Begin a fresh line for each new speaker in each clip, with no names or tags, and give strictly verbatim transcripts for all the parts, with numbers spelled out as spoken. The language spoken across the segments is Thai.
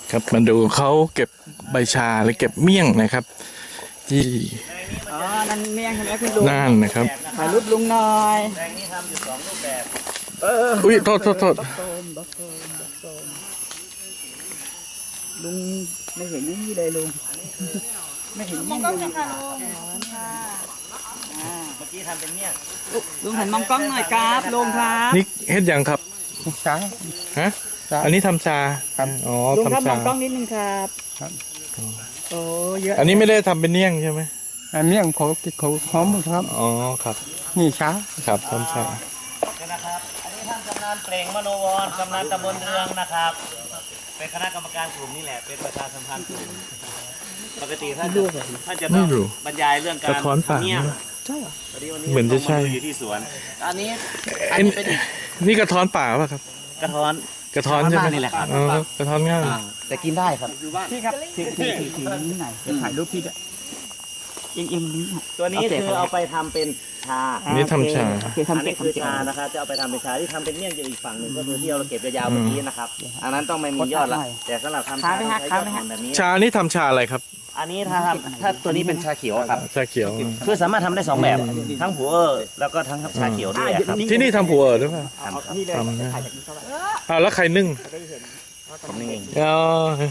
ครับมาดูเขาเก็บใบชาหรือเก็บเมี่ยงนะครับที่
อ๋อนั่นเมี่ยงใช่ไหมคุณลุง
น่านนะครับ
ถ่ายรูปลุงหน่อย
แปลงนี้ทำอยู่สองรูปแบบ
อุ้ยโทษโทษโทษ
บักโซมบักโซมบักโซมลุงไม่เห็นนี่เลยลุงไม่เห็นนี่เลยค่ะลุงค่ะอ่า
เมื่อกี้ทำเป็นเนี่ย
ลุงหันมองกล้องหน่อยครับลุงครับ
นี่เฮ็ดยังครับ
ช้า
ฮะอันนี้ทำชา
ครับ
อ๋อ
ลุงครับ
ทำ
ม
ชา
องกล้องนิดนึงครับ
ครับ
โอ้เยอะ
อันนี้ไม่ได้ทำเป็นเมี่ยงใช่ไหม
อันนี้เขาเขาหอมครับ
อ๋อครับ
นี่ช้า
ครับทำชา
นะครับ อันนี้ท่านกำนันเปล่งมโนวรกำนันตำบลเรืองนะครับ เป็นคณะกรรมการกลุ่มนี่แหละ เป็นประชาสัมพันธ์กลุ่มปกติท่านจะท่านจะต้องบรรยายเรื่องการ
กระท้อนป่า
ทำเนี่ย
ใช่เหรอ
พอดีวันนี้
เหมือนจะใช่
ต้องาดูอยู่ที่สวน อันนี้อัน
เอ็น
นี้เป็นอีก
นี่กระท้อนป่าป่ะครับ
กระท้อน
กระท้อนใช่ไหม
นี่แหละครับ
อ๋อกระท้อนง่าย
แต่กินได้ครับ
พี่ครับถือถือถือถือนี่หน่อยเดี๋ยวถ่ายรูปพี่ด้วยเอียงเอียงนี้หน่อย
ตัวนี้คือเอาไปทำเป็นชา
อันนี้ทำชา
โอเค
อัน
ทำเก็
นี้
บ
คือ
ทำเก็บ
ชานะครับจะเอาไปทำเป็นชาที่ทำเป็นเมี่ยงอยู่อีกฝั่งหนึ่งก็คือที่เราเก็บยาวๆเมื่อกี้นะครับ อันนั้นต้องไม่มียอดละแต่สำหรับทำชาต้องใช้ยอดอ่อนแบบนี้
ชานี่ทำชาอะไรครับ
อันนี้ถ้าทำถ้าตัวนี้เป็นชาเขียวครับ
ชาเขียว
คือสามารถทำได้สองแบบ ทั้งหัวเออแล้วก็ทั้งชาเขียวด้วยครับ
ที่นี่ทำผัวหรือเปล่า
ทำครับ
นี่เลย
ทำนะ
ถ่ายจากนี้เท่าไหร่
อ้าวแล้วใครนึ่ง
ผมนี่เอง
อ๋อ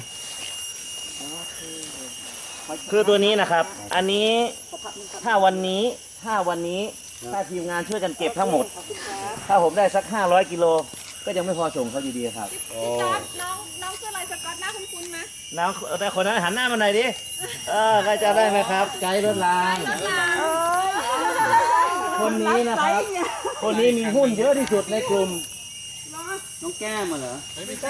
คือตัวนี้นะครับ อันนี้ถ้าวันนี้ถ้าวันนี้ถ้าทีมงานช่วยกันเก็บทั้งหมด ถ้าผมได้สักห้าร้อยกิโลก็ยังไม่พอส่งเขาอยู่ดีครับ
พี่จอร์ดน้องน้องชื่ออะไรสกอตหน้าคุ้นๆไหม
น้องแต่คนนั้นหันหน้ามาหน่อยดิ เออใครจะได้ไหมครับ ไกด์รถราง คนนี้นะครับ คนนี้มีหุ้นเยอะที่สุดในกลุ่ม
น้องแก้มมาเหรอ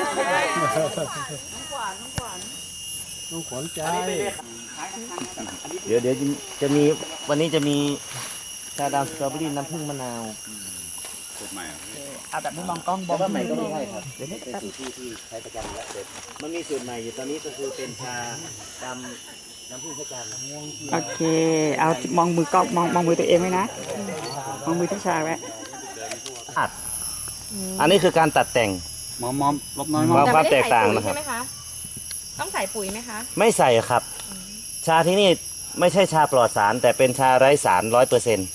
ต้องขวัญใจ
เดี๋ยวเดี๋ยวจะมีวันนี้จะมีชาดำสตรอเบอรี่น้ำผึ้งมะนาว
เอาแบบไม่มองกล้องบ
แต่
อก
ว่าใหม่ก็ไม่ใช่ครับเป็นสูตรที่ที่ใช้ประจำแล้วเสร็จมันมีสูตรใหม่อยู่ตอนนี้ก็คือเป็นชาดำน้ำผึ้งพระจันทร์
โอเค เอามองมือกล้องมองมองมือตัวเองไว้นะ มองมือที่ชาไว้
อัดอันนี้คือการตัดแต่ง
มอมมอมลบน้อย
ค
มอ
วาม
ม
ความแตกต่างนะครับ
ใช่ไหมคะ ต้องใส่ปุ๋ยไหมคะ
ไม่ใส่ครับ ชาที่นี่ไม่ใช่ชาปลอดสาร แต่เป็นชาไร้สารร้อยเปอร์เซ็นต์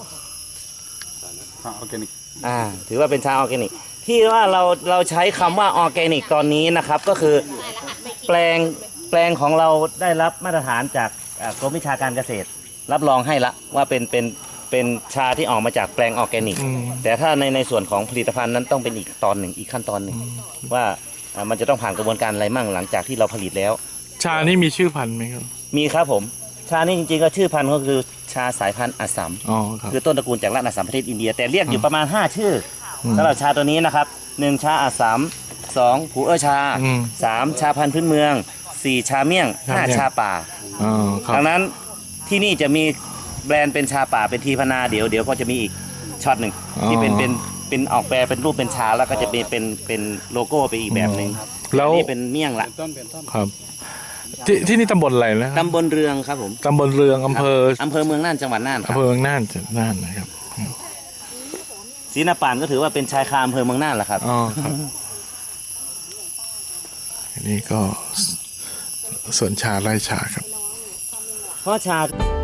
ออร์แกนิก
อ่าถือว่าเป็นชาออร์แกนิก ที่ว่าเราเราใช้คำว่าออร์แกนิกตอนนี้นะครับ ก็คือแปลงแปลงของเราได้รับมาตรฐานจากอ่ากรมวิชาการเกษตร รับรองให้ละว่าเป็นเป็นเป็นชาที่ออกมาจากแปลงออร์แกนิก
อืม
แต่ถ้าในในส่วนของผลิตภัณฑ์นั้นต้องเป็นอีกตอนหนึ่งอีกขั้นตอนหนึ่งว่าอ่ามันจะต้องผ่านกระบวนการอะไรมั่งหลังจากที่เราผลิตแล้ว
ชานี่มีชื่อพันธุ์ไหมครับ
มีครับผม ชานี่จริงๆก็ชื่อพันธุ์ก็คือชาสายพันธุ์อัสสัม
อ๋อครับ
คือต้นตระกูลจากรัฐอัสสัมประเทศอินเดีย แต่เรียกอยู่ประมาณ ห้า ชื่ออ
ม
สำหรับชาตัวนี้นะครับหนึ่งชาอัสสัมสองผูเออชา
อืม
สามชาพันธุ์พื้นเมืองสี่ชาเมี่ยงห้า
ชาเมี่ยง
ชาป่า
อ๋อครับ
ดังนั้นที่นี่จะมีแบรนด์เป็นชาป่าเป็นทีพนาเดี๋ยวเดี๋ยวก็จะมีอีกช็อตหนึ่งที่เป็นเป็นเป็นออกแปลเป็นรูปเป็นชาแล้วก็จะเป็นเป็นเป็นโลโก้ไปอีกแบบหนึ่ง
แล้ว
อันนี่เป็นเมี่ยงละ
ต้นเป็นต้น
ครับ ที่ที่นี่ตำบลอะไรนะ
ตำบลเรืองครับผม
ตำบลเรืองอำเภอ
อำเภอเมืองน่านจังหวัดน่านครั
อำ
บ
เภอเมืองน่านจังหวัดน่านนะครับ
ศรีนาป่านก็ถือว่าเป็นชายคาอำเภอเมืองน่านแหละครับ
อ๋อครับอันนี้ก็สวนชาไร่ชาครับ
เพราะชา